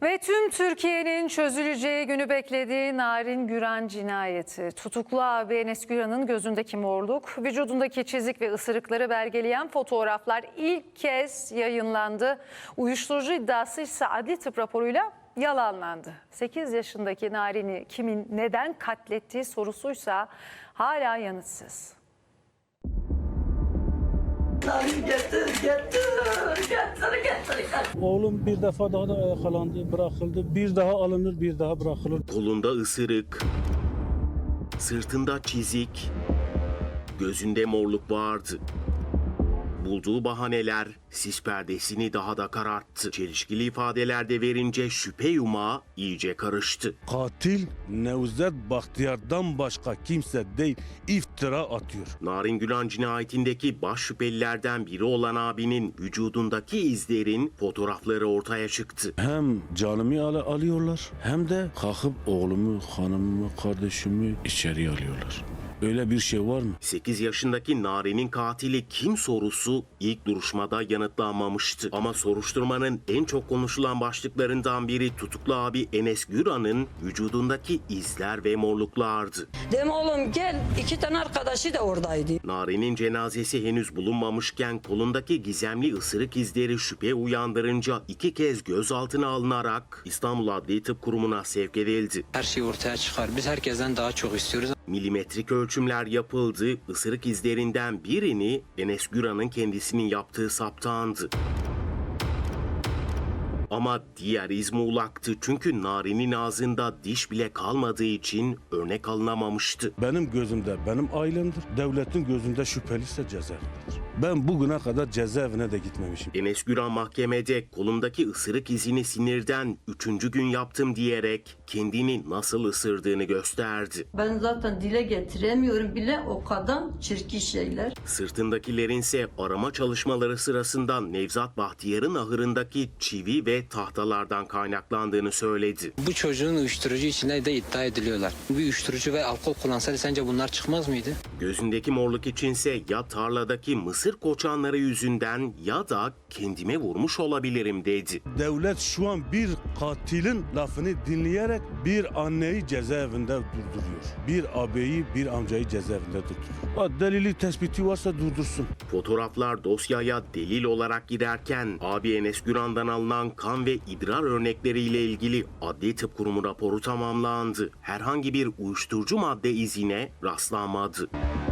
Ve tüm Türkiye'nin çözüleceği günü beklediği Narin Güran cinayeti. Tutuklu abi Enes Güran'ın gözündeki morluk, vücudundaki çizik ve ısırıkları belgeleyen fotoğraflar ilk kez yayınlandı. Uyuşturucu iddiası ise adli tıp raporuyla yalanlandı. 8 yaşındaki Narin'i kimin neden katlettiği sorusuysa hala yanıtsız. Getir. Oğlum bir defa daha da yakalandı, bırakıldı. Bir daha alınır, bir daha bırakılır. Kolunda ısırık, sırtında çizik, gözünde morluk vardı. Bulduğu bahaneler sis perdesini daha da kararttı. Çelişkili ifadelerde verince şüphe yumağı iyice karıştı. Katil Nevzat Bahtiyar'dan başka kimse değil, iftira atıyor. Narin Güran cinayetindeki baş şüphelilerden biri olan abinin vücudundaki izlerin fotoğrafları ortaya çıktı. Hem canımı alıyorlar hem de kalkıp oğlumu, hanımımı, kardeşimi içeriye alıyorlar. Öyle bir şey var mı? 8 yaşındaki Narin'in katili kim sorusu ilk duruşmada yanıtlanmamıştı. Ama soruşturmanın en çok konuşulan başlıklarından biri tutuklu abi Enes Güran'ın vücudundaki izler ve morluklardı. Dedim oğlum gel, 2 tane arkadaşı da oradaydı. Narin'in cenazesi henüz bulunmamışken kolundaki gizemli ısırık izleri şüphe uyandırınca 2 kez gözaltına alınarak İstanbul Adli Tıp Kurumu'na sevk edildi. Her şey ortaya çıkar. Biz herkesten daha çok istiyoruz. Milimetrik ölçümler yapıldı. Isırık izlerinden birini Enes Güran'ın kendisinin yaptığı saptandı. Ama diğer iz muğlaktı çünkü Narin'in ağzında diş bile kalmadığı için örnek alınamamıştı. Benim gözümde benim ailemdir. Devletin gözünde şüpheliyse cezaevindedir. Ben bugüne kadar cezaevine de gitmemişim. Enes Güran mahkemede kolumdaki ısırık izini sinirden 3. gün yaptım diyerek kendini nasıl ısırdığını gösterdi. Ben zaten dile getiremiyorum bile, o kadar çirkin şeyler. Sırtındakilerin ise arama çalışmaları sırasında Nevzat Bahtiyar'ın ahırındaki çivi ve tahtalardan kaynaklandığını söyledi. Bu çocuğun uyuşturucu içinde de iddia ediliyorlar. Bir uyuşturucu ve alkol kullansaydı sence bunlar çıkmaz mıydı? Gözündeki morluk içinse ya tarladaki mısır koçanları yüzünden ya da kendime vurmuş olabilirim dedi. Devlet şu an bir katilin lafını dinleyerek bir anneyi cezaevinde durduruyor. Bir ağabeyi, bir amcayı cezaevinde durduruyor. Delili tespiti varsa durdursun. Fotoğraflar dosyaya delil olarak girerken abi Enes Güran'dan alınan kan ve idrar örnekleriyle ilgili Adli Tıp Kurumu raporu tamamlandı. Herhangi bir uyuşturucu madde izine rastlanmadı.